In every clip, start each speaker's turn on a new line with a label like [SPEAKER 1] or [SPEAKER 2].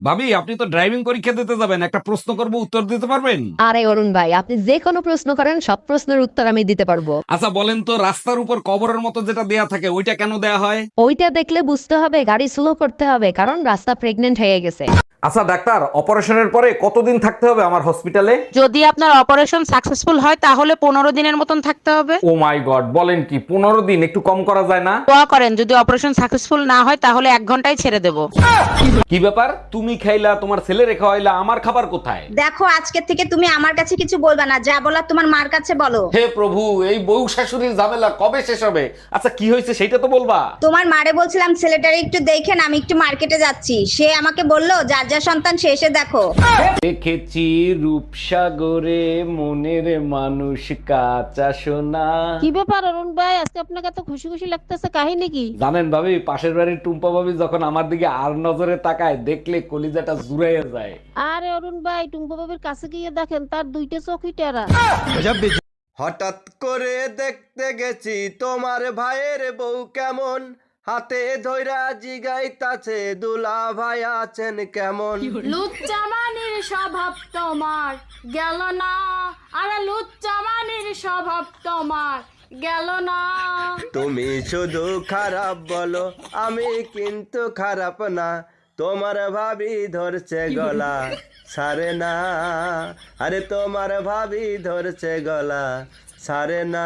[SPEAKER 1] ভাবি, আপনি তো ড্রাইভিং পরীক্ষা দিতে যাবেন, একটা প্রশ্ন করব, উত্তর দিতে পারবেন?
[SPEAKER 2] আরে অরুণ ভাই, আপনি যে কোনো প্রশ্ন করেন, সব প্রশ্নের উত্তর আমি দিতে পারবো।
[SPEAKER 1] আচ্ছা বলেন তো, রাস্তার উপর কবরের মতো যেটা দেয়া থাকে ওইটা কেন দেয়া হয়?
[SPEAKER 2] ওইটা দেখলে বুঝতে হবে গাড়ি স্লো করতে হবে, কারণ রাস্তা প্রেগনেন্ট হয়ে গেছে।
[SPEAKER 1] আচ্ছা ডাক্তার, অপারেশনের পরে কতদিন থাকতে হবে আমার হসপিটালে?
[SPEAKER 3] যদি আপনার অপারেশন সাকসেসফুল হয় তাহলে 15 দিনের মতন থাকতে হবে।
[SPEAKER 1] ও মাই গড, বলেন কি 15 দিন? একটু কম করা যায় না?
[SPEAKER 3] দোয়া করেন যদি অপারেশন সাকসেসফুল না হয় তাহলে 1 ঘন্টায় ছেড়ে দেব।
[SPEAKER 1] কি ব্যাপার, তুমি খাইলা, তোমার ছেলে রেখা হইলা, আমার খাবার কোথায়?
[SPEAKER 4] দেখো, আজকে থেকে তুমি আমার কাছে কিছু বলবা না, যা বলার তোমার মার কাছে বলো।
[SPEAKER 1] হে প্রভু, এই বউ শাশুড়ির ঝামেলা কবে শেষ হবে? আচ্ছা কি হয়েছে সেটা তো বলবা।
[SPEAKER 4] তোমার মারে বলছিলাম ছেলেটারে একটু দেখেন, আমি একটু মার্কেটে যাচ্ছি। সে আমাকে বললো যার যা সন্তান সে এসে দেখো।
[SPEAKER 1] দেখেছি রূপসাগরে মনের মানুষ কাঁচা সোনা।
[SPEAKER 3] কি ব্যাপার অরুণ ভাই, আজকে আপনাকে এত খুশি খুশি লাগতেছে, কাহিনী কি?
[SPEAKER 1] জানেন ভাবি, পাশের বাড়ির টুম্পা ভাবি যখন আমার দিকে আর নজরে তাকায়, দেখলে কলিজাটা জুড়াইয়া যায়।
[SPEAKER 3] আরে অরুণ ভাই, টুম্পা বাবির কাছে গিয়ে দেখেন তার দুইটা চোখই টেরা।
[SPEAKER 5] হঠাৎ করে দেখতে গেছি তোমার ভাইয়ের বউ কেমন, হাতে ধইরা জিগাইতাছে দুলা ভাই আছেন কেমন।
[SPEAKER 6] লুচ্চামানির স্বভাব তোমার গেল না, আরে লুচ্চামানির স্বভাব তোমার গেল না।
[SPEAKER 5] তুমি শুধু খারাপ বলো, আমি কিন্তু খারাপ না। তোমার ভাবি ধরছে গলা সারে না, আরে তোমার ভাবি ধরছে গলা সারে না।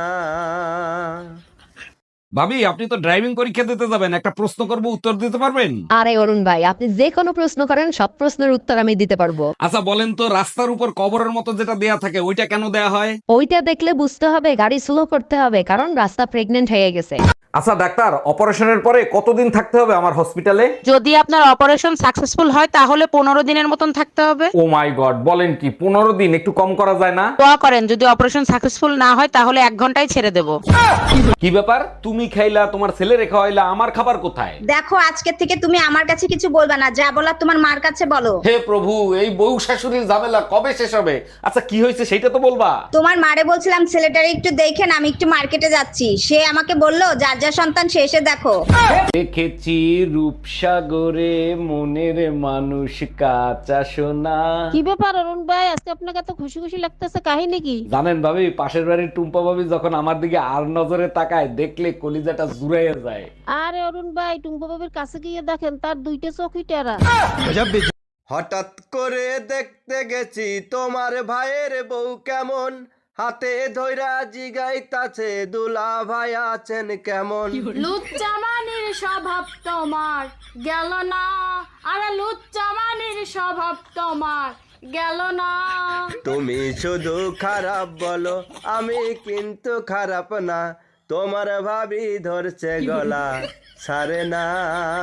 [SPEAKER 1] ভাবি, আপনি তো ড্রাইভিং পরীক্ষা দিতে যাবেন, একটা প্রশ্ন করব, উত্তর দিতে পারবেন?
[SPEAKER 2] আরে অরুণ ভাই, আপনি যে কোনো প্রশ্ন করেন, সব প্রশ্নের উত্তর আমি দিতে পারবো।
[SPEAKER 1] আচ্ছা বলেন তো, রাস্তার উপর কবরের মতো যেটা দেয়া থাকে ওইটা কেন দেয়া হয়?
[SPEAKER 2] ওইটা দেখলে বুঝতে হবে গাড়ি স্লো করতে হবে, কারণ রাস্তা প্রেগনেন্ট হয়ে গেছে।
[SPEAKER 1] আচ্ছা ডাক্তার, অপারেশনের পরে কতদিন থাকতে হবে আমার হসপিটালে?
[SPEAKER 3] যদি আপনার অপারেশন সাকসেসফুল হয় তাহলে 15 দিনের মতন থাকতে হবে।
[SPEAKER 1] ও মাই গড, বলেন কি 15 দিন? একটু কম করা যায় না?
[SPEAKER 3] দোয়া করেন যদি অপারেশন সাকসেসফুল না হয় তাহলে 1 ঘন্টায় ছেড়ে দেব।
[SPEAKER 1] কি ব্যাপার, তুমি খাইলা, তোমার ছেলে রেখা হইলা, আমার খাবার কোথায়?
[SPEAKER 4] দেখো, আজকে থেকে তুমি আমার কাছে কিছু বলবা না, যা বলার তোমার মার কাছে বলো।
[SPEAKER 1] হে প্রভু, এই বউ শাশুড়ির ঝামেলা কবে শেষ হবে? আচ্ছা কি হয়েছে সেটা তো বলবা।
[SPEAKER 4] তোমার মারে বলছিলাম ছেলেটারে একটু দেখেন, আমি একটু মার্কেটে যাচ্ছি। সে আমাকে বললো যার যা সন্তান সে এসে দেখো।
[SPEAKER 1] দেখেছি রূপসাগরে মনের মানুষ কাঁচা সোনা।
[SPEAKER 3] কি ব্যাপার অরুণ ভাই, আজকে আপনাকে এত খুশি খুশি লাগতেছে, কাহিনী কি?
[SPEAKER 1] জানেন ভাবি, পাশের বাড়ির টুম্পা ভাবি যখন আমার দিকে আর নজরে তাকায়, দেখলে কলিজাটা জুড়াইয়া যায়।
[SPEAKER 3] আরে অরুণ ভাই, টুম্পা বাবির কাছে গিয়ে দেখেন তার দুইটা চোখই টেরা।
[SPEAKER 5] হঠাৎ করে দেখতে গেছি তোমার ভাইয়ের বউ কেমন, হাতে ধইরা জিগাইতাছে দুলা ভাই আছেন কেমন।
[SPEAKER 6] লুচ্চামানির স্বভাব তোমার গেল না, আরে লুচ্চামানির স্বভাব তোমার গেল না।
[SPEAKER 5] তুমি শুধু খারাপ বলো, আমি কিন্তু খারাপ না। তোমার ভাবি ধরছে গলা সারে না,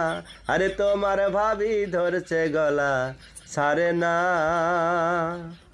[SPEAKER 5] আরে তোমার ভাবি ধরছে গলা সারে না।